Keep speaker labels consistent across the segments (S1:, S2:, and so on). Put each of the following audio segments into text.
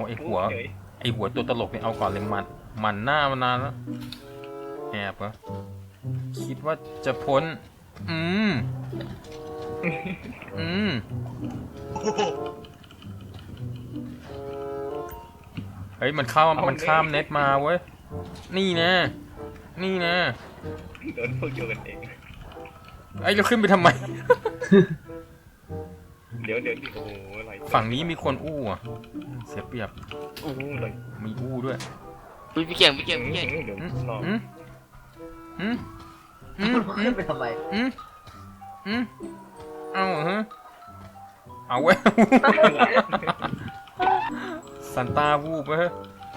S1: หัวตัวตลกเนี่ยเอาก่อนเลยมันหน้ามานานแล้วแอบเหรอคิดว่าจะพ้นเฮ้ยมันข้ามเน็ตมาเว้ยนี่นะ
S2: โดนพวกโยกันเอง
S1: ไอ้เราขึ้นไปทำไม
S2: เดี๋ยวโอ้โหอะไร
S1: ฝั่งนี้มีคนอู้อ่ะเสียเปรียบ
S2: อู้เลย
S1: มีอู้ด้วย
S3: พี่เก่ง
S2: เดี๋ยวรอ
S4: ขึ้นไปทำไม
S1: เอาฮะเอาเว้ยซันต้าวูบเว้ย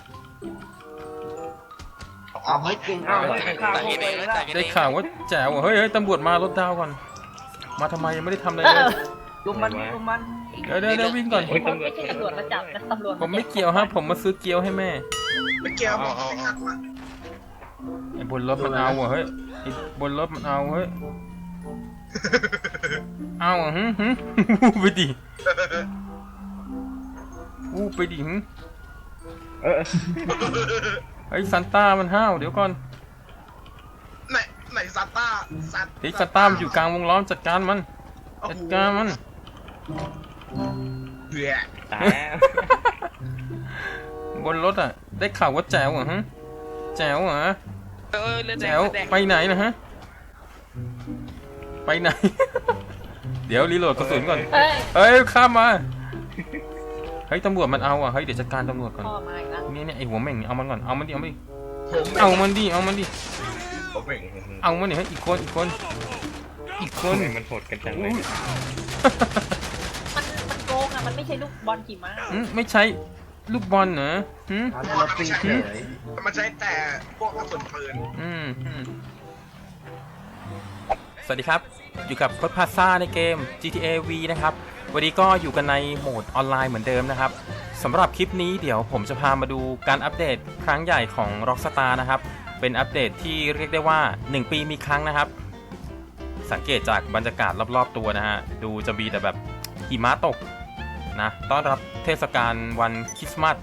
S4: เอาให้จริงเอา
S1: ได้ข่าวว่าแจ๋วเฮ้ยตำรวจมารถดาวก่อนมาทำไมยังไม่ได้ทำอะไรเลย
S4: ลุมมัน
S1: เดี๋ยววิ่งก่อน
S5: ไม่ใช่ตำรวจมาจับนะตำรวจ
S1: ผมไม่เกี่ยวฮะผมมาซื้อเกี๊ยวให้แม่
S6: ไม่เกี่ยวผมไม่หักมา
S1: ไอ้บนรถมันเอาเฮ้ยไอ้บนรถมันเอาเฮ้ยเอาไปดิไปดิไอ้ซันต้ามันห้าวเดี๋ยวก่อน
S6: ไหนซาต้า
S1: ซันต้ามันอยู่กลางวงล้อมจัดการมัน
S6: เบื่อ
S1: ตบนรถอ่ะได้ข่าวว่าแจ๋วเหรอฮะแจ๋วเหรอแจ๋วไปไหนนะฮะไปไหนเดี๋ยวรีโหลดกระสุนก่อนเฮ้ยข้ามมาเฮ้ยตำรวจมันเอาอ่ะเฮ้ยเดี๋ยวจัดการตำรวจก่อนเนี่ยไอหัวแม่งเอามันก่อนเอามันดิเอามันดิเอามันดิเอามันให้อีกคน
S2: มันโหดกันจังเลย
S5: มันโกงอ่ะมันไม่ใช่ลูกบอลขี่ม้า
S1: ไม่ใช่ลูกบอลเหรอ
S6: มันใช้แต่พวกกระสุนปืน
S1: สวัสดีครับอยู่กับโค้ดพาซ่าในเกม GTA V นะครับวันนี้ก็อยู่กันในโหมดออนไลน์เหมือนเดิมนะครับสำหรับคลิปนี้เดี๋ยวผมจะพามาดูการอัปเดตครั้งใหญ่ของ Rockstar นะครับเป็นอัปเดตที่เรียกได้ว่า1ปีมีครั้งนะครับสังเกตจากบรรยากาศรอบๆตัวนะฮะดูจะมีแต่แบบหิมะตกนะต้อนรับเทศกาลวันคริสต์มาส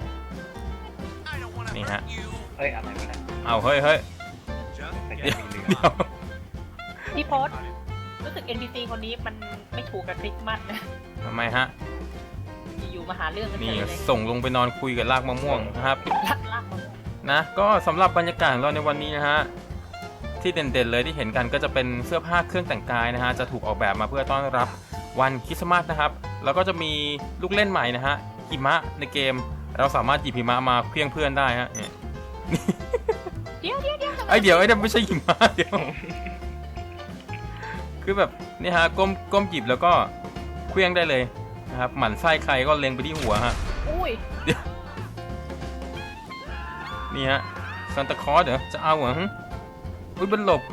S1: นี่ฮะ
S2: เฮ้ยอะไรวะเนี่ย
S1: เอาเฮ้ยเดี๋ยว
S5: พี่โพสรู้สึก NPC คนนี้มันไม่ถูกกับคริสต์มาสนะ
S1: ทำไมฮะ
S5: อยู่มาหาเรื่องกัน
S1: นี่ส่งลงไปนอนคุยกับรากมะม่วงนะครับ
S5: รากมะม่วง
S1: นะก็สำหรับบรรยากาศของเราในวันนี้นะฮะที่เด่นๆเลยที่เห็นกันก็จะเป็นเสื้อผ้าเครื่องแต่งกายนะฮะจะถูกออกแบบมาเพื่อต้อนรับวันคริสต์มาสนะครับแล้วก็จะมีลูกเล่นใหม่นะฮะหิมะในเกมเราสามารถหยิบหิมะมาเพียงเพื่อนได้ฮะ
S5: เดี๋ยว
S1: ไอเดี๋ยวไม่ใช่หิมะเดี๋ยวคือแบบนี่ฮะก้มหยิบแล้วก็เคลื่องได้เลยนะครับหมั่นไส้ใครก็เล็งไปที่หัวฮะนี่ฮะซันตาคลอสเหรอจะเอาเหรออุ้ยมันหลบ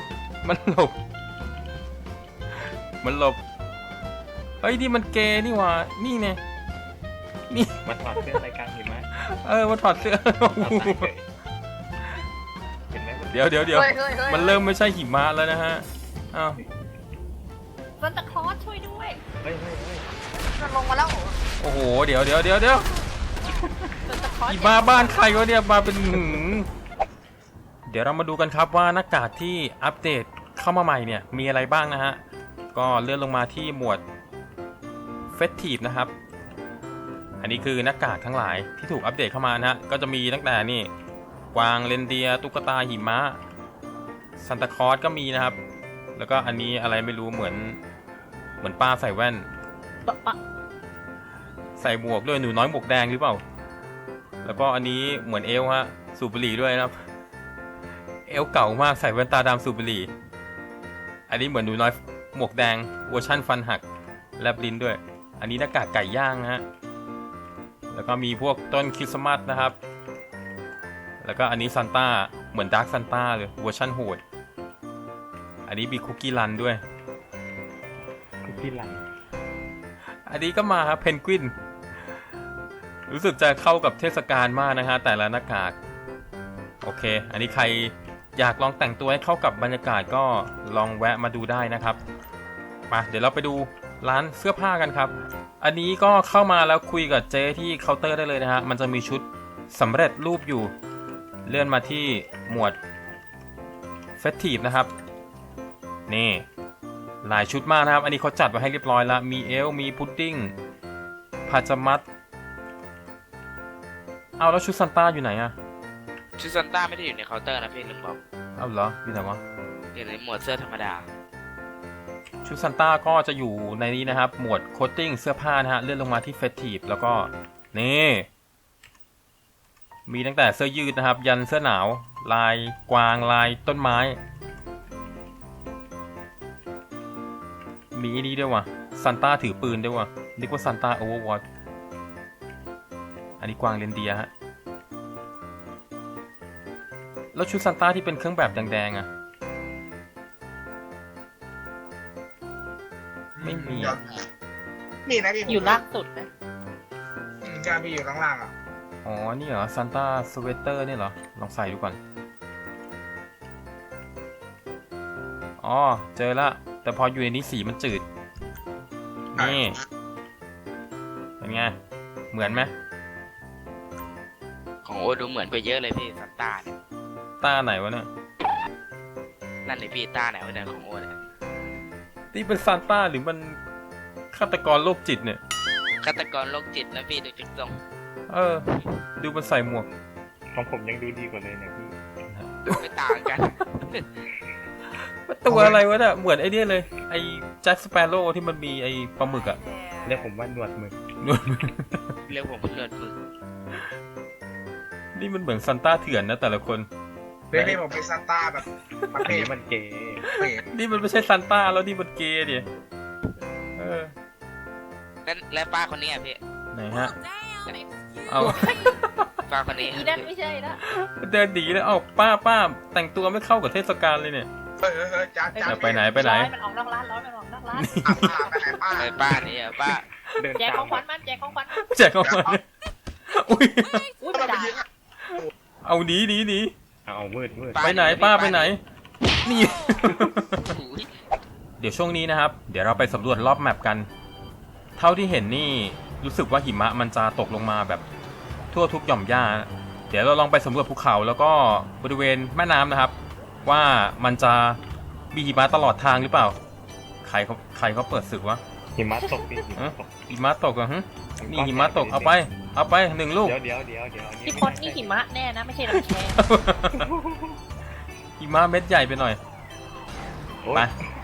S1: เฮ้ยนี่มันเกย์นี่หว่านี่ไงนี่
S2: มาถอดเสื้อรายการหิมะ
S1: มาถอดเสื้อเดี๋ยวมันเริ่มไม่ใช่หิมะแล้วนะฮะอ้าว
S5: ซันตาคลอสช่วยด้วย
S2: เฮ้ย
S4: มันลงมาแล้ว
S1: โอ้โหเดี๋ยวหิมะบ้านใครวะเนี่ยมาเป็นเดี๋ยวเรามาดูกันครับว่าหน้ากากที่อัปเดตเข้ามาใหม่เนี่ยมีอะไรบ้างนะฮะก็เลื่อนลงมาที่หมวด Festive นะครับอันนี้คือหน้ากากทั้งหลายที่ถูกอัปเดตเข้ามานะฮะก็จะมีตั้งแต่นี่กวางเรนเดียร์ตุ๊กตาหิมะซันตาคลอสก็มีนะครับแล้วก็อันนี้อะไรไม่รู้เหมือนป้าใส่แว่นใส่หมวกด้วยหนูน้อยหมวกแดงหรือเปล่าแล้วก็อันนี้เหมือนเอลฮะสูบบุหรี่ด้วยนะครับเอลเก่ามากใส่แว่นตาดำสูบบุหรี่อันนี้เหมือนหนูน้อยหมวกแดงเวอร์ชั่นฟันหักแลบลิ้นด้วยอันนี้หน้ากากไก่ย่างนะฮะแล้วก็มีพวกต้นคริสต์มาสนะครับแล้วก็อันนี้ซันต้าเหมือนดาร์คซันต้าเลยเวอร์ชั่นโหดอันนี้มีคุกกี้รันด้วย
S2: คุกกี้รัน
S1: อันนี้ก็มาครับเพนกวินรู้สึกจะเข้ากับเทศกาลมากนะฮะแต่ละหน้ากากโอเคอันนี้ใครอยากลองแต่งตัวให้เข้ากับบรรยากาศก็ลองแวะมาดูได้นะครับมาเดี๋ยวเราไปดูร้านเสื้อผ้ากันครับ อันนี้ก็เข้ามาแล้วคุยกับเจ๊ที่เคาน์เตอร์ได้เลยนะฮะมันจะมีชุดสำเร็จรูปอยู่เลื่อนมาที่หมวดเฟสทีฟนะครับนี่หลายชุดมากนะครับอันนี้เขาจัดไว้ให้เรียบร้อยแล้วมีเอลมีพุดดิ้งพาจามัดเอาแล้วชุดซันต้าอยู่ไหนอะ
S3: ชุดซันต้าไม่ได้อยู่ในเคาน์เตอร์นะพี่ลืมบอก
S1: เอาเหรออยู่ไหนวะ
S3: อยู่ในหมวดเสื้อธรรมดา
S1: ชุดซันต้าก็จะอยู่ในนี้นะครับหมวดโคตติ้งเสื้อผ้านะฮะเลื่อนลงมาที่เฟสทีฟแล้วก็นี่มีตั้งแต่เสื้อยืดนะครับยันเสื้อหนาวลายกวางลายต้นไม้มีอันนี้ด้วยว่ะซันต้าถือปืนด้วยว่ะนึกว่าซันต้าโอเวอร์วอตอันนี้กวางเรนเดียร์ฮะแล้วชุดซันต้าที่เป็นเครื่องแบบแดงๆอะไม่มีอะ
S6: มีนะพี่
S5: อยู่ล่างสุดนะ
S6: จะมีอยู่ข้างล่างอ่ะ
S1: อ๋อนี่เหรอซันต้าสเวตเตอร์เนี่ยเหรอลองใส่ดูก่อนอ๋อเจอละแต่พออยู่ในนี้สีมันจืดนี่เป็นไงเหมือนไหม
S3: ของโอดูเหมือนไปเยอะเลยพี่ซันต้าเนี่ย
S1: ต้าไหนวะเนี่ย
S3: นั่นเลยพี่ต้าไหนวะเนี่ยของโอเนี่ย
S1: นี่เป็นซานต้าหรือมันฆาตกรโรคจิตเนี่ย
S3: ฆาตกรโรคจิตนะพี่ดูจุดตรง
S1: เออดูมันใส่หมวก
S2: ของผมยังดูดีกว่าเลยเนี่ยพี่
S3: ดูไม่ต่างกัน
S1: ตัวอะไรวะเนี่ยเหมือนไอ้เนี่ยเลยไอ้แจ็คสเปโร่ที่มันมีไอ้ปลาหมึกอะ
S2: เรียกผมว่าหนวดมือ
S3: เรียกผมเป็นเลือดมือ
S1: นี่มันเหมือนซานต้าเถื่อนนะแต่ละคน
S6: เพี่ผมเป็นซานต้าแบบประ
S2: อัน
S6: เภท
S2: นี้มันเก๋
S6: เปรต
S1: นี่มันไม่ใช่ซานต้าแล้วนี่มันเกย์ดิเออ
S3: และป้าคนนี้อ่ะพี่
S1: ไหนฮะเอา
S3: ป้าคนนี้
S5: อีนั่นไม่ใช่ละ
S1: เดินดีแล้วเอ้าป้าแต่งตัวไม่เข้ากับเทศกาลเลยเนี่ย
S6: เฮ้ยจ้า
S1: ไปไหนไปไหน
S5: ร้อยมันออกนอกร้านร้อยมันออกนอกร้าน
S6: ป้าไปไหนป้า
S3: ไอ้ป้านี่อ่ะป้า
S2: เดิน
S5: แจก
S2: ตา
S5: ข
S2: ม
S5: องขวัญมันแจกของขวัญมัน
S1: แจกเข้ามาอุ้ย
S5: อุ้ยไม่ได้
S1: เอาหนี
S2: เอามืด
S1: ไปไหนป้าไปไหนนี่
S3: อุ้ย
S1: เดี๋ยวช่วงนี้นะครับเดี๋ยวเราไปสำรวจรอบแมปกัน เท่าที่เห็นนี่รู้สึกว่าหิมะมันจะตกลงมาแบบทั่วทุกหย่อมหญ้า เดี๋ยวเราลองไปสำรวจภูเขาแล้วก็บริเวณแม่น้ำนะครับ ว่ามันจะมีหิมะตลอดทางหรือเปล่าใครเขาเปิดศึกวะ
S2: หิมะตกพี่หิมะตก
S1: หิมะตกเหรอฮะนี่หิมะตกเอาไป1 ลูก
S2: เดี๋ยว
S5: พี่พศนี่หิมะแน่นะไม่ใช่ลำแชร์
S1: หิมะเม็ดใหญ่ไปหน่อยไป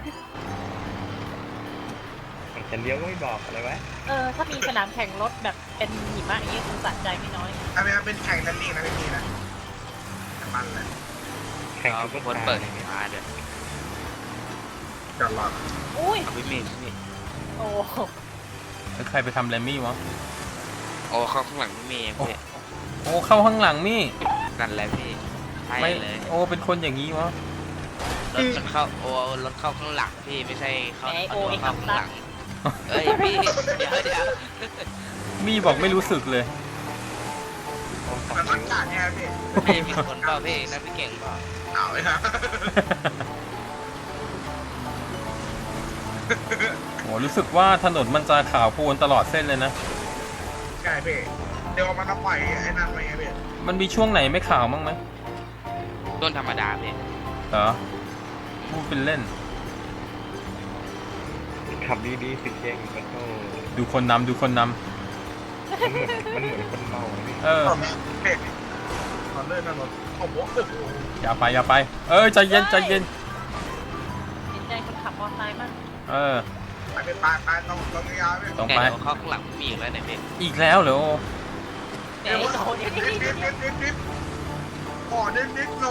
S2: จะเลี้ยวก็ไม่บอกอะไรวะ
S5: ถ้ามีสนามแข่งรถแบบเป็นหิมะอย่างนี้คงสะใจไม่น้อย
S6: อันนี้เป็นแข่งนั่นนี่นะพี่นะมันเลย
S2: แข่ง
S3: เอา
S2: ซุปเปอ
S3: คน
S2: ร์
S3: เปิด
S2: คาร์
S3: มาเดี๋ยว
S6: จอดรอ
S5: อุ้ย
S3: เอาพี่มีพี่
S5: โอ้
S1: แล้วใครไปทำแรมมี่วะ
S3: โอ้เข้าข้างหลังพี่มีพี่
S1: โอ้เข้าข้างหลังมี่
S3: นั่นแหละพี่ใช่
S1: ไม่
S3: เลย
S1: โอ้เป็นคนอย่างนี้วะ
S3: รถมันเข้าโอ้รถเข้าข้างหลังพี่ไม่ใช่เข้า
S5: ไอโอ
S3: ตัว
S5: ไอ
S3: เข้า
S5: คำ
S3: ข้าง
S5: ตั
S3: ห
S5: ด
S3: ลังเอ้ยพี่เดี๋ยว
S1: มี่บอกไม่รู้สึกเลย
S6: มันมันกาดเนี่ยพี่
S3: พี่มีคนเปล่าพี่นั่นพี่เก่งเปล่า
S6: เอาเลยครับ
S1: โอ้รู้สึกว่าถนนมันจะขาวโพลนตลอดเส้นเลยนะ
S6: ใช่พี่เดี๋ยวมันต้องปล่อยไอ้นั่นไว้ไงพี่
S1: มันมีช่วงไหนไม่ขาวมั้งไหม
S3: ต้นธรรมดาพี่
S1: เหรอพูดเป็นเล่น
S2: ขับดีสิเก่งแล้วก็
S1: ดูคนนำ
S2: มันเหมือนคนเมาเลย
S1: เออ
S6: เด็กตอนเลื่อนนั่นรถโอ้โห
S1: อย่าไป เออใจเย็น
S5: เห็นใจคนขับมอเตอร์ไซค์บ้าง
S1: เออ
S6: ไปต้องยาวพี่
S1: ต้อง
S3: แต่
S1: ไป
S3: เดี๋ยวเข้าข้างหลังพี่มีอีกแล้วเนี่ยพี่
S1: อีกแล้วเหรอ
S5: เดี๋ยวโอ้เดี๋ยว
S6: ดิบอ๋อดิบโน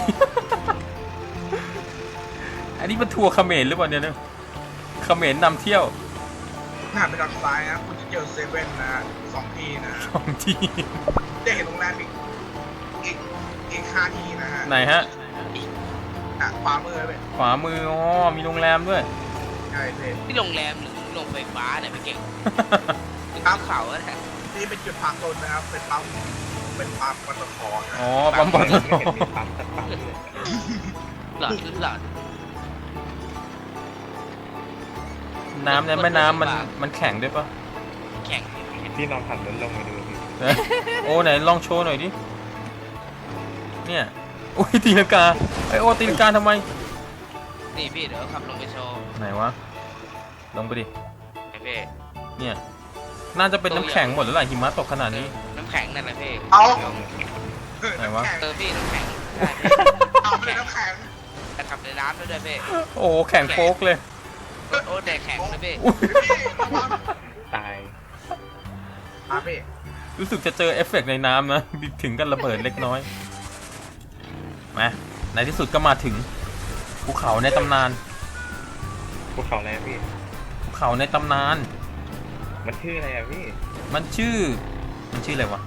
S1: อันนี้มันทัวร์เขมรหรือเปล่าเนี่ยนะเขมรนำเที่ยว
S6: หน้าไปทางซ้ายนะคุณจะเจอเซเว่นนะ2 ที่นะ
S1: 2 ที่
S6: จะเห็นโรงแรมอีก5 ที่นะฮะ
S1: ไหนฮะ
S6: ขวามือเลย
S1: ขวามืออ๋อมีโรงแรมด้วย
S6: ใช่พี่
S3: ที่โรงแรมหรือโรงไฟฟ้าเนี่ยพี่เก่งตามเขาอะนะ
S6: นี่เป็นจุดพักรถนะครับเป็นปั๊มปตทนะ
S1: อ๋อปั๊มปต
S2: ไม่
S1: ท
S2: เห็นมีปั๊มสักปั๊มเลย
S3: หลอดหลอด
S1: นน้ำในแม่น้ำมันแข็งด้วยปะ
S3: แข่ง
S2: พี่ลองขับรถลงมาดูพี่
S1: โอ้ไหนลองโชว์หน่อยดิ เนี่ยโอ้ยตีลังกาไอโอตีลังกาทำไม
S3: นี่พี่เดี๋ยวขับลงไปโชว์
S1: ไหนวะ ลงไปดิ
S3: ไอ้พี่
S1: เนี่ย น่าจะเป็นน้ำแข็งหมดแล้วแหละหิมะตกขนาดนี้
S3: น้ำแข็งนั่นแหละพี่
S6: เอา
S1: ไหนวะ
S6: แข็ง
S3: พี่น้ำแข็งใช่พี่
S6: เอาไปเลยน้ำแข็ง
S3: แต่ขับในน้ำด้วยพี่
S1: โอ้แข็งโป๊กเลย
S3: โอ้แดกแข็งนะพี่
S6: พี่ระวัง
S2: ตาย
S6: มาพี่
S1: รู้สึกจะเจอเอฟเฟกต์ในน้ำนะ ถึงกันระเบิดเล็กน้อย มาในที่สุดก็มาถึงภูเขาในตำนาน
S2: ภูเขาอะไรพี่
S1: ภูเขาในตำนาน
S2: มันชื่ออะไรอะพี่
S1: มันชื่ออะไรวะ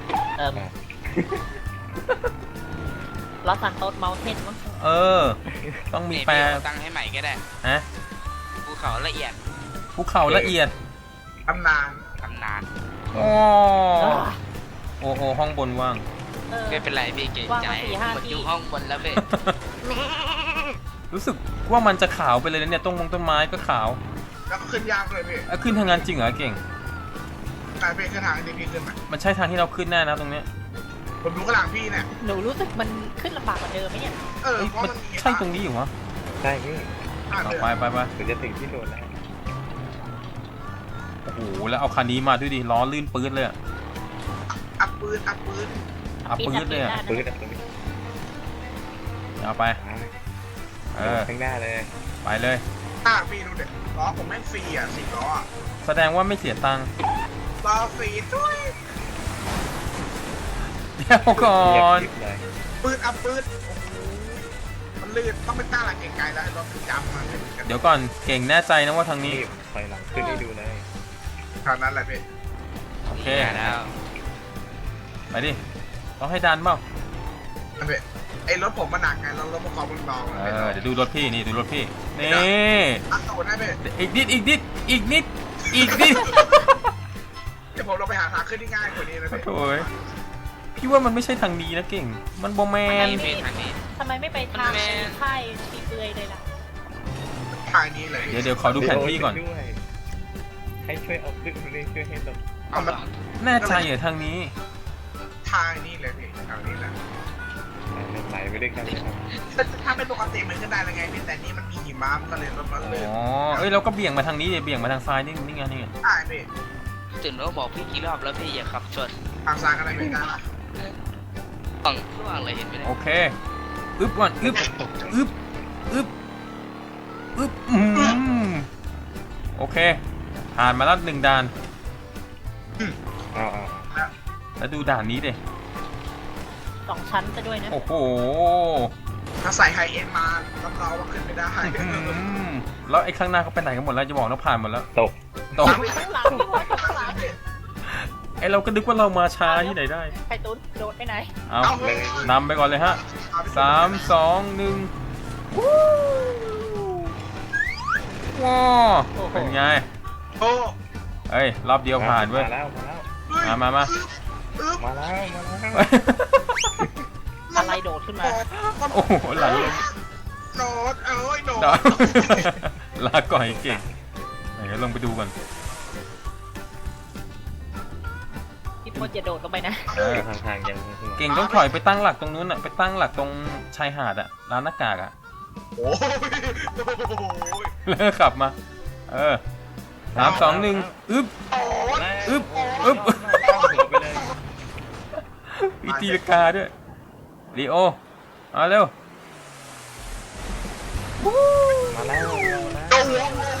S5: ลอสซานโตสเมลเทนมั้ง
S1: เออ ต้องมี
S3: นี่
S1: แปล
S3: พี่ตั้งให้ใหม่ก็ได้
S1: ฮะ
S3: ภูเขาละเอียด
S1: ภูเขาละเอียด
S6: ตำนาน
S3: ตำนาน
S1: โอ้โอ้โอ้ห้องบนว่าง
S3: ไม่เป็นไรพี่เก่งใจ
S5: ว่างมา4-5
S3: มัน
S5: ที่
S3: อยู่ห้องบนแล้วพี่
S1: รู้สึกว่ามันจะขาวไปเลยนะเนี่ยต้นไม้ก็ขาว
S6: แล้วก็ขึ้นยากเลยพี่
S1: ขึ้นทางงานจริงเหรอเก่ง
S6: แต่พี่ขึ้นทางที่พี่ขึ้นมา
S1: มันใช่ทางที่เราขึ้นแน่นะตรงเนี้ย
S6: ผมดูข้างหลังพี่เนี่ย
S5: หนูรู้สึกมันขึ้นลำบากกว่าเดิมไหมเนี่ย
S6: เออ
S1: เอ้ย
S6: เพราะ
S1: มัน
S6: มันมี
S1: ใช่ตรงนี้อยู่วะ
S2: ใช่พี่
S1: เอาไปไปไป
S2: ถึงจะถึงที่โดนแล้ว
S1: โอ้โหแล้วเอาคันนี้มาด้วยดิล้อลื่นปื๊ดเลยอะ
S6: อัพปืนอัพปืน
S1: อัพปื๊ดเลยอะ
S2: ปืนอะปืน
S1: เอาไป เออ
S2: ข้างหน้าเลย
S1: ไปเลย
S6: อ่าพี่ดูเด็ดล้อผมแม่งฟรีอ่ะ4 ล้ออ่ะ
S1: แสดงว่าไม่เสียตังค์
S6: ล้อฟรีด้วย
S1: เดี๋ยวก่อ
S2: เงียบ
S1: น
S2: กริบเลย
S6: ปืนอัพปืนโอ้โหมันลื่นต้องไปตั้งหลักเก่งไกลแล้วรถถึงจำมาเป็นกัน
S1: เดี๋ยวก่อนเก่งแน่ใจนะว่าทางนี้
S2: นี่ถอยหลังขึ้นให้ดูเลย
S6: ทางนั้นแหละพี่
S1: โอเค
S3: แล้ว
S1: ไปดิ ต้องให้ดันเปล่า
S6: นั่นพี่ไอ้รถผมมันหนักไงรถประกอบมันเบา
S1: เออ เดี๋ยวดูรถพี่นี่ดูรถพี่ นี่
S6: อัพตูดได้พี่
S1: อีกนิด อีกนิด อีกนิด อีกนิด
S6: เดี๋ยวผมเราไปหาทางขึ้นที่ง่ายกว่านี้นะพี่
S1: โถ่ยพี่ว่ามันไม่ใช่ทางนี้นะเก่ง มันโบแมน
S3: นี่พี่ทางนี้
S5: ทำไมไม่ไปทางค่ายตีเปือยเลยล่ะ
S6: ทางนี้เลย
S1: เดี๋ยวขอดูแผนที่ก่อน
S2: ด้วยให้ช่วยเอาขึ้นด้วยช่วยให้ตรง
S6: เอามัน
S1: แน่ใจเหรอทางนี้
S6: ทางนี้เลยพี่ทางนี้แหละ
S2: ไหลไปด้วยกันเลยครับ
S6: ถ้าเป็นปกติมันก็ได้แล้วไงพี่แต่นี่มันมีหิมะมันก็เลยรถมันเลย
S1: อ๋อ เอ้ยเราก็เบี่ยงมาทางนี้เดี๋ยวเบี่ยงมาทางซ้ายนี่ไงนี่ไง
S6: ได้พี่
S3: ตื่นแล้วบอกพี่กี่รอบแล้วพี่อย่าขับชน
S6: ทางซ้ายก็ได้พี่ได้
S3: ฝั่งล่างเลยเห็นไหมเนี่
S1: โอย เค อึ๊บก่อน อึ๊บ อึ๊บ อึ๊บ อึ๊บโอเค ผ่านมาแล้ว1 ด่าน
S2: เอา
S1: แล้วดูด่านนี้ดิ
S5: 2 ชั้นจะด้วยนะ
S1: โอ้โห
S6: ถ้าใส่ไฮเอ็นมารับรองว่าขึ้นไม่ได้
S1: แล้วไอ้ข้างหน้าเขาไปไหนกันหมดแล้วจะบอกแล้วผ่านหมดแล้ว
S2: ตก
S1: ตก
S5: ข้างหลังพี่พศข้างหลัง
S1: ไอ้เราก็นึกว่าเรามาช้าที่ไหนได้
S5: ไข่ตุ้นโดดไปไหน
S1: เอา
S2: เลย
S1: นำไปก่อนเลยฮะ 3 2 1ว้าวเป็นไง
S6: โอ้
S1: เอ้ย รอบเดียวผ่านเว้ย
S2: มาแล้วมาแล้ว
S1: มา
S6: อึ๊บ
S2: มาแล้วมาแล้ว
S5: อะไรโดดขึ้นมา
S1: โอ้โหหลังเลย
S6: โดดเอ้ยโดด
S1: ดาว ลาก่อยเก่งไหนลงไปดูก่อน
S5: พี่พศอย่าโดดลงไปนะ
S1: เออ
S2: ทางยัง
S1: เก่งต้องถอยไปตั้งหลักตรงนู้นอ่ะ ไปตั้งหลักตรงชายหาดอ่ะ ร้านหน้ากากอ่ะ
S6: โอ้ย
S1: แล้วก็ขับมา เออ 3 2 1 อึ๊บ อึ๊บ อึ๊บ
S2: เข้าหัวไปเลย
S1: มีตีลงกาด้วยลีโอมาเร็ว
S2: มาแล้ว
S6: โอ้โห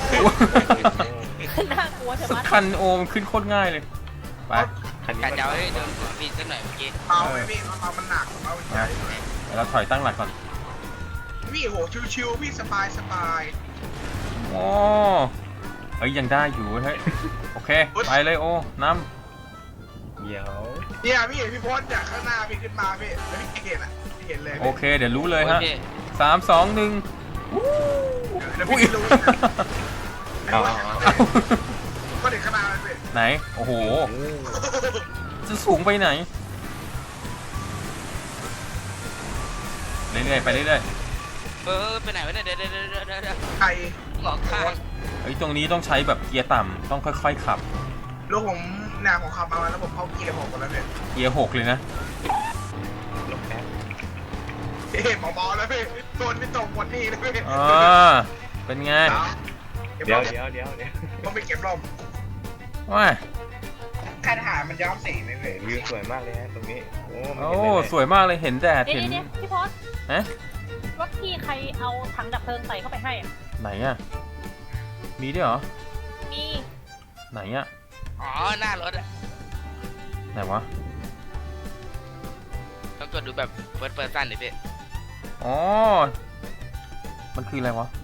S5: น่ากลัวใช่ไหม
S1: คันโอมขึ้นโคตรง่ายเลย ไป
S2: คันนี้
S3: กะ
S2: มัน
S3: จะเอาให้เดินหัวพี่สักหน่อยเมื่อกี้
S6: เอาไว้พี่เอามันหนักเอาใหญ่
S1: เดี๋ยวเราถอยตั้งหลักก่อน
S6: พี่โหชิวๆพี่สบายสบาย
S1: โอ้เอ้ยยังได้อยู่เฮ้ย โอเค ไปเลยโอ้น้
S2: เดี๋ยว
S6: เนี่ยพี่เห็นพี่พศจากข้างหน้าพี่ขึ้นมาพี่แล้วพี่เห็นอ่ะพี่เห็นเลย
S1: ำโอเค เดี๋ยวรู้เลยฮะ
S3: โอค
S1: 3 2 1
S6: แล้ว
S1: อุ้ย
S6: พี่รู้นะ
S2: เอา
S6: ก็เด็กข้างหน้าเลยพี่
S1: ไหน โอ้โห จะสูงไปไหน เรื่อยๆ ไปเรื่อย
S3: ไปไหนวะเนี่ยเดี๋ยว
S6: ใคร
S3: หลอกข้าง
S1: เฮ้ยตรงนี้ต้องใช้แบบเกียร์ต่ำต้องค่อยๆขับ
S6: ลูกผมเนี่ยผมขับมาแล้วผมเข้าเกียร์ผมหมดแล้วเนี่ย
S1: เกียร์6เลยนะ
S2: ลงแป๊บ
S6: เฮ้ยเบาๆแล้วพี่โดนไม่ตกหมดนี่เลยพี่
S1: อ่าเป็นไง
S2: เดี๋ยว
S6: ต้องไปเก็บร่ม
S1: ว้า
S6: ค่ายทหารมันย้อมสีไหมพี่
S2: วิวสวยมากเลยฮะตรงนี้โอ้มัน
S1: โอ้
S2: เห็นได้เลย
S1: สวยมากเลยเห็นแดด
S5: เดี๋ยว
S1: เห็น
S5: เดี๋ยวพี่พศ
S1: ฮะ
S5: รถพี่ใครเอาถังดับเพลิงใส่เข้าไปให้อ่ะ
S1: ไหนอะมีด้วยเหรอ
S5: มี
S1: ไหนอะ
S3: อ๋อหน้ารถอะ
S1: ไหนวะ
S3: ต้องกดดูแบบเปิดสั้นเลยพี่
S1: อ๋อมันคืออะไรวะ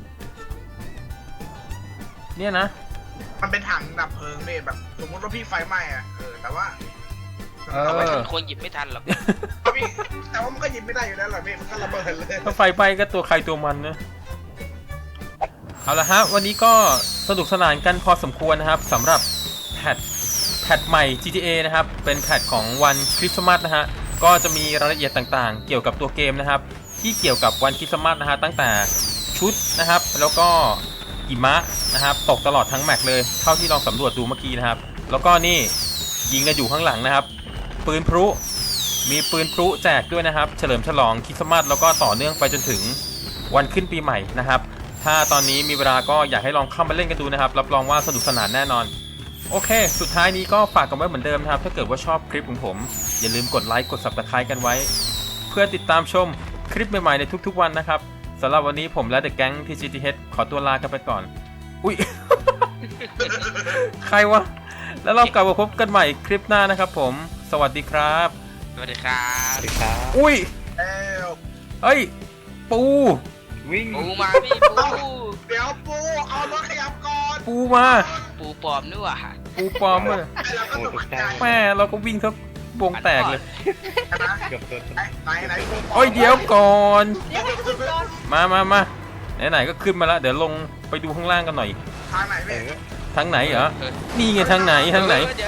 S1: เนี่ยนะ
S6: มันเป็นถังดับเพลิงพี่แบบสมมติว่าพี่ไฟไหม้อะแต่ว่า
S3: เอาไว้ทันคนหยิบไม่ทันหรอก
S6: พี่แต่ว่ามันก็หยิบไม่ได้อยู่แล้วหรอพี่มันก็ระเบิดเลย
S1: ถ้าไฟไปก็ตัวใครตัวมันนะเอาละฮะวันนี้ก็สนุกสนานกันพอสมควรนะครับสำหรับแพทใหม่ GTA นะครับเป็นแพทของวันคริสต์มาสนะฮะก็จะมีรายละเอียดต่างๆ เกี่ยวกับตัวเกมนะครับที่เกี่ยวกับวันคริสต์มาสนะฮะตั้งแต่ชุดนะครับแล้วก็หิมะนะครับตกตลอดทั้งแมปเลยเท่าที่ลองสำรวจดูเมื่อกี้นะครับแล้วก็นี่ยิงกันอยู่ข้างหลังนะครับปืนพลุมีปืนพลุแจกด้วยนะครับเฉลิมฉลองคริสต์มาสแล้วก็ต่อเนื่องไปจนถึงวันขึ้นปีใหม่นะครับถ้าตอนนี้มีเวลาก็อยากให้ลองเข้ามาเล่นกันดูนะครับรับรองว่าสนุกสนานแน่นอนโอเคสุดท้ายนี้ก็ฝากกันไว้เหมือนเดิมนะครับถ้าเกิดว่าชอบคลิปของผมอย่าลืมกดไลค์กด Subscribe กันไว้เพื่อติดตามชมคลิปใหม่ๆในทุกๆวันนะครับสำหรับวันนี้ผมและเดอะแก๊ง TGTH ขอตัวลากันไปก่อนอุ้ย ใครวะแล้วเรากลับมาพบกันใหม่คลิปหน้านะครับผมสวัสดีครับ
S3: สวัสดีครับ
S2: สวัสดีครับ
S1: อุ้ย
S6: เอ้ว
S1: เฮ้ยปู
S2: วิ่ง
S3: ปูมาพี่ปู
S6: เดี๋ยวปูเอารถขยับก่อน
S1: ปูมา
S3: ปูปลอมนี่หว่า
S1: ปูปลอมเลย
S6: ไอ้เราก็ตกใจ
S1: แม่เราก็วิ่งทับวงแตกเลย
S6: นะ
S2: เกือบโดน
S6: ไหนปู
S1: โอ้ยเดี๋ยวก่อน
S5: เดี๋ยวให้ขึ้นก่อน
S1: มาไหนๆก็ขึ้นมาแล้วเดี๋ยวลงไปดูข้างล่างกันหน่อย
S6: ทางไหนพี่
S1: ทางไหนเหรอนี่ไงทางไหน
S3: เดี๋ยว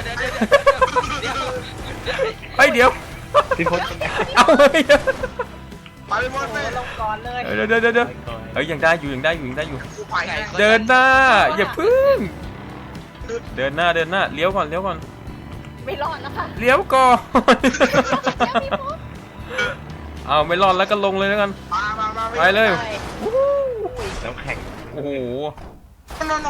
S1: เฮ้ยเดี๋ยว
S2: พี่พจน์เป็นไง
S1: เอาเฮ้ย
S6: ไปหมดเลย
S5: ลงก่อนเลย
S1: เดี๋ยวเฮ้ยยังได้อยู่
S6: กูไปให้
S1: เดินหน้าอย่าพึ่งเดินหน้าเลี้ยวก่อน
S5: ไม่รอดแล้วค่ะ
S1: เลี้ยวก่อน
S5: แล้วพี่พศ
S1: เอาไม่รอดแล้วก็ลงเลยแล้วกัน
S6: มา
S1: ไปเลย
S2: น้ำแข็ง
S1: โอ้โห
S6: หนู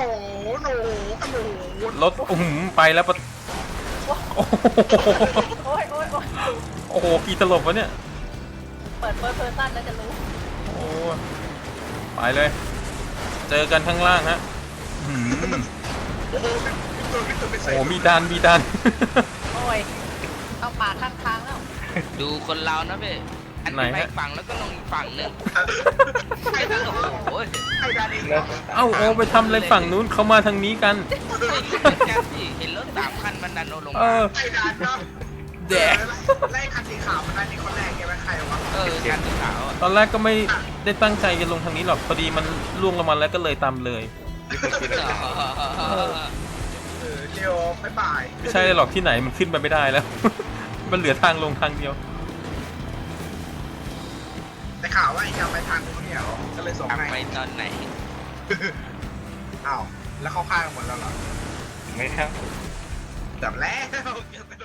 S1: รถไปแล้วปะโอ้โห
S5: โอ้ย
S1: โอ้โหกี่ตลบวะเนี่ย
S5: เปิดเพอร์ซันแล้วจะรู้
S1: โอ้ไปเลย เจอกันข้างล่างฮะอื้อหือ
S6: โอ้โหพี่ตุ่นไป
S1: โอ้
S6: ใส่
S1: โหมีดัน
S5: โอ้ยเข้าป่าข้างทางแล้ว
S3: ดูคนเรานะพี่อัน
S1: ไหน
S3: ไป
S1: ฮะ
S3: ฝั่งแล้วก็ลงอีกฝั่งหนึง
S6: ไอ้ดาน
S3: โอ้โห
S6: ไอ้ดานเอง
S2: เริ่ม
S1: เอ้าโอไปทำอะไรฝั่งนู้นเขามาทางนี้กัน
S3: เห็นรถ3 คันมันดันโนลง
S1: เอ
S3: มา
S1: อ
S6: ไอ้ดานเนาะ
S1: แดก
S6: ไล่คันสีขาวมันได้นี่คนแรกใช่ไหมใครวะ
S3: คันสีขาวอะ
S1: ตอนแรกก็ไม่ได้ตั้งใจจะลงทางนี้หรอกพอดีมันล่วงลงมาแล้วก็เลยตามเลย
S2: พี่พจน์คิดอะไร
S6: เดี๋ยวบ๊ายบาย
S1: ไม่ใช่หรอกที่ไหนมันขึ้นไปไม่ได้แล้ว มันเหลือทางลงทางเดียว
S6: แต่ข่าวว่าไอ้จะไปทางนู้นเนี่ยเหรอก็เลยส่ง
S3: กลับ
S6: ให้
S3: ไปตอนไหน
S6: อ้าวแล้วเข้าข้างหมดแล้วเหรอ
S2: ไม่ครับ
S6: จับแล้ว